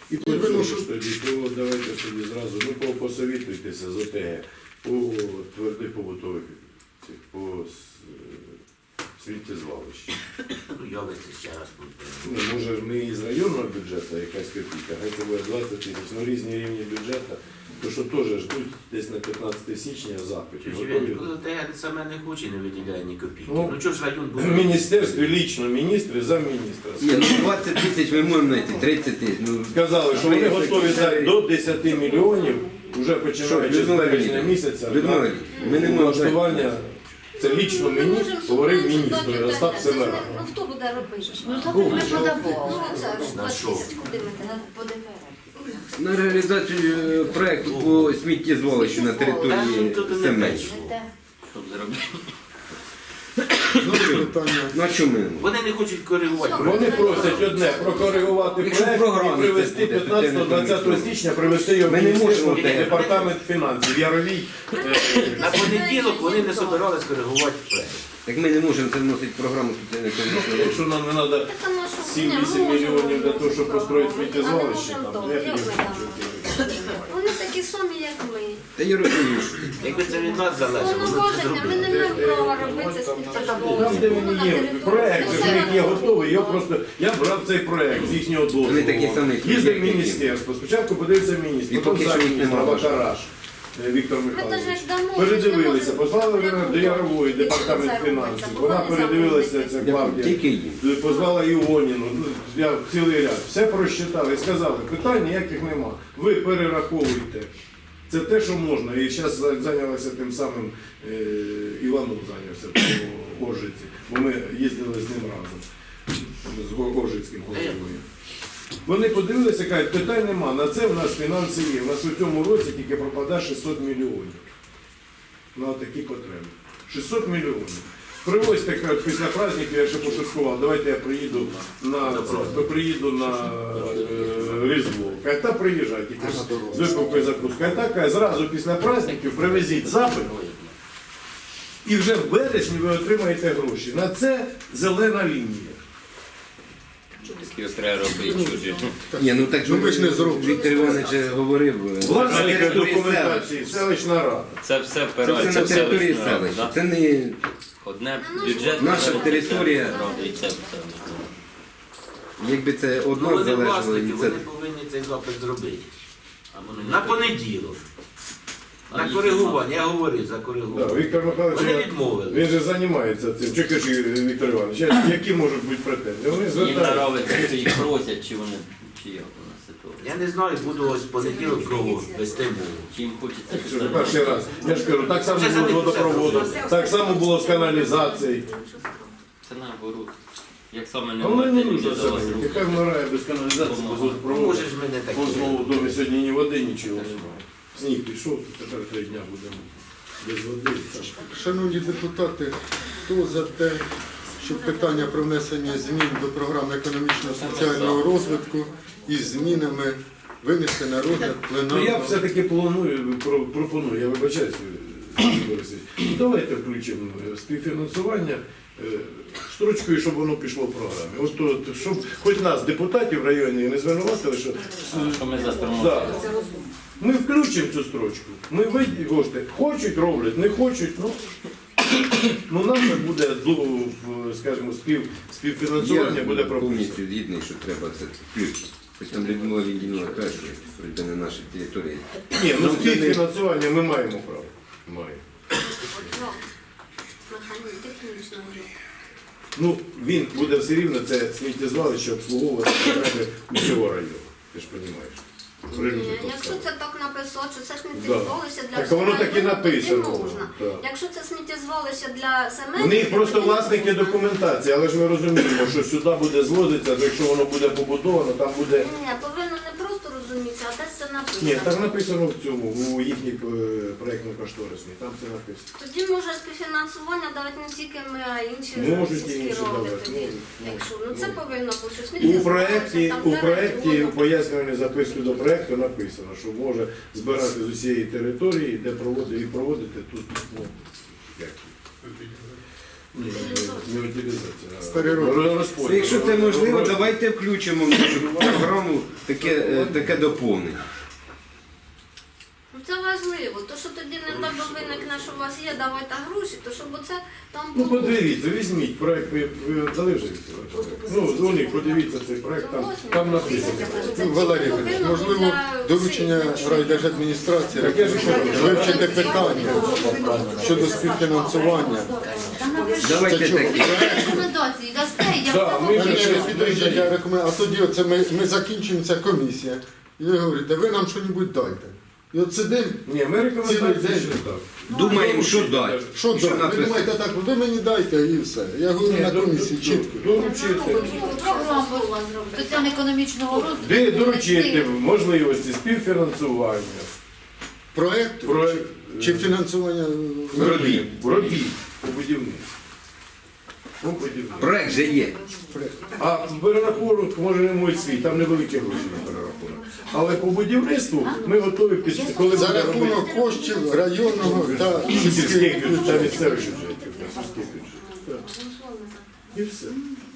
І почуєш тоді, то давайте тоді зразу, ну посовітуйтеся з ОТГ по твердих побутових, по сміттєзвалищі. Ну, Ялиці ще раз буде. Ну, може не із районного бюджету якась копійка, хай це буде 20 тисяч, ну різні рівні бюджету, то що теж ждуть десь на 15 січня запитів. Коли ТГ саме не хоче, не виділяє ні копійки. Ну, Ну чого ж район буде? В міністерстві лічно міністри, замміністра. Ні, ну 20 тисяч ми можемо знайти, 30 тисяч. Ну, Сказали, що вони готові дати до 10 мільйонів, вже починаючи з березня місяця, Людмила, ми не можемо. влаштування. Це лічно мені говорив міністр Остап Семерак. Ну хто буде робити? Ну, то ми подавали. Ну це ж На 20 що? тисяч куди ми по ДФР? На реалізацію проєкту по сміттєзвалищу на території Семеч. Щоб зробити. Ну а чому ми? Вони не хочуть коригувати. Вони просять одне прокоригувати Якщо проект програми і привести це буде, 15-20 січня, привести його в Ми не Міністерство можемо те. департамент фінансів. Яровій. На понеділок вони не збирались коригувати проект. Так ми не можемо це вносити в програму соціально-економічного Якщо нам не треба Так, а ну, що? 7-8 мільйонів для того, щоб построїти А не сміттєзвалище, можемо там, то. я Як ми піду. там? Вони такі самі, як ми. Та я розумію, що Якби це від нас залежало, вони це Повноваження, ми не зробили. маємо права робити сміттєзвалище. Там, де він є, проект, вже в них є готовий, я брав цей проект з їхнього дозволу. Вони такі самі, Їздив в як і міністерство, спочатку подивився міністр, І потім поки що їх замміністра нема. Вакараш Віктор Ми Михайлович. навіть дамо. Передивилися, послали до Ярової, департамент фінансів, вона передивилася, ця Клавдія. тільки їм. Позвала Іоніну, ну, я цілий ряд, все просчитали і сказали, питань ніяких нема, ви перераховуйте. Це те, що можна. І зараз зайнялася тим самим Іванов зайнявся по Оржиці, бо ми їздили з ним разом, з Оржицьким головою. Вони подивилися, кажуть, питань нема, на це в нас фінанси є. У нас у цьому році тільки пропадає 600 мільйонів на такі потреби. 600 мільйонів. Привозьте, кажуть, після праздників, я ще пошуткував, давайте я приїду на Різдво. Каже, та приїжджай, тільки з випивкою закускай. Так, каже, зразу після праздників привезіть запит, і вже в березні ви отримаєте гроші. На це зелена лінія. Такі треба робити чужі. Ні, ну так Ну, ви ж не зробите. Віктор Іванович говорив. Власника території документації, селищна рада. Це все Це впирається все на в території селищну раду, селища. да? Це не Одне бюджет. Наша територія. І це все. якби це Ну одна вони залежала власники, від вони це. повинні цей запит зробити. А вони не На хочуть. понеділок. А На їх коригування, я говорив за Да, коригування. Віктор Михайлович, Вони відмовили. він же займається цим. Чи кажи, Віктор Іванович, які можуть бути претензії? Вони Їм звертаються. нравиться, чи їх просять, чи вони, чи як у нас ситуація. Я не знаю, буду ось в понеділок кого вести мову. Чи їм хочеться Що ж, перший раз. Я ж кажу, так само Вже було з за них водопроводом, все так само було з каналізацією. Це наоборот. Як саме не А воно не можете нужно люди за вас все. руки. Яка вмирає без каналізації, без Ну, водопроводу. може ж мене таке. Вон знову в домі сьогодні ні води, нічого немає. Сніг пішов, тепер 3 дня будемо без води. Шановні депутати, хто за те, щоб питання про внесення змін до програми економічно-соціального розвитку із змінами винести на розгляд Ну я пленарного? все-таки пропоную, я вибачаюсь, Борисович, давайте включимо співфінансування строчкою, щоб воно пішло в програмі. От, щоб хоч нас, депутатів районні, не звинуватили, що Що ми за да. Ми включимо цю строчку. Ми кошти хочуть, роблять, не хочуть, ну нам це буде, скажімо, співфінансування буде прописано. повністю згідний, що треба це включити. Хоч там Людмила Ліндінова каже, що це не наша територія. Ні, ну співфінансування ми маємо право. Маємо. Технічно. Ну, він буде все рівно, це сміттєзвалище обслуговувати потреби усього району. Ти ж розумієш. Якщо це так написано, що це сміттєзвалище для Так воно так і всього району, написано. тоді можна. Так. Якщо це сміттєзвалище для Семенів, В них просто тоді не власники можна. документації, але ж ми розуміємо, що сюди буде звозитися, то якщо воно буде побудовано, там буде... Ні, повинно не просто розумітися, а десь це написано. Ні, там написано в цьому, у їхній проєктно-кошторисній, там це написано. Тоді може співфінансування давати не тільки ми, а й інші Можуть і сільські інші ради давати, тоді. можуть, Якщо, можуть, ну це можуть. повинно бути. що У сміттєзвалище, там проєкті, дерева, у пояснювальній записці до проєкту написано, що може збирати з усієї території, де проводити, і проводити тут. Ну, як. Не утилізація, а Переробка. розподіл. Якщо це можливо, давайте включимо в нашу програму таке доповнення. Ну, це важливо, то що тоді не тебе виникне, що у вас є, давайте гроші, то щоб оце там Ну було. подивіться, візьміть проект, ви дали вже? Ну, дзвоніть, подивіться цей проект, там написано. Ну, Валерій Ігорович, можливо, доручення райдержадміністрації Так я ж кажу, вивчити питання щодо співфінансування. Давайте Це чого? такі. Рекомендації дасте, я Да, ми встановлю. вже- Підождіть, я рекомендую. А тоді оце ми закінчується комісія. І ви говорите, ви нам щось дайте. І от сидимо, Ні, ми рекомендації Цілий ще день. так. Думаємо, що дати. що дати? Ви написано? думаєте так, ви мені дайте і все. Я говорю на комісії чітко. Доручити. Програму соціально-економічного розвитку. Де доручити можливості співфінансування. Проект Проект. чи фінансування Робіт. Робіт по будівництву. По будівництву. Проект же є. А перерахунок може не мой свій, там невеликі гроші на перерахунок. Але по будівництву ми готові коли за буде робити рахунок коштів районного та сільських сільських бюджетів та бюджетів. місцевих бюджетів. та сільських бюджетів. Так. І все.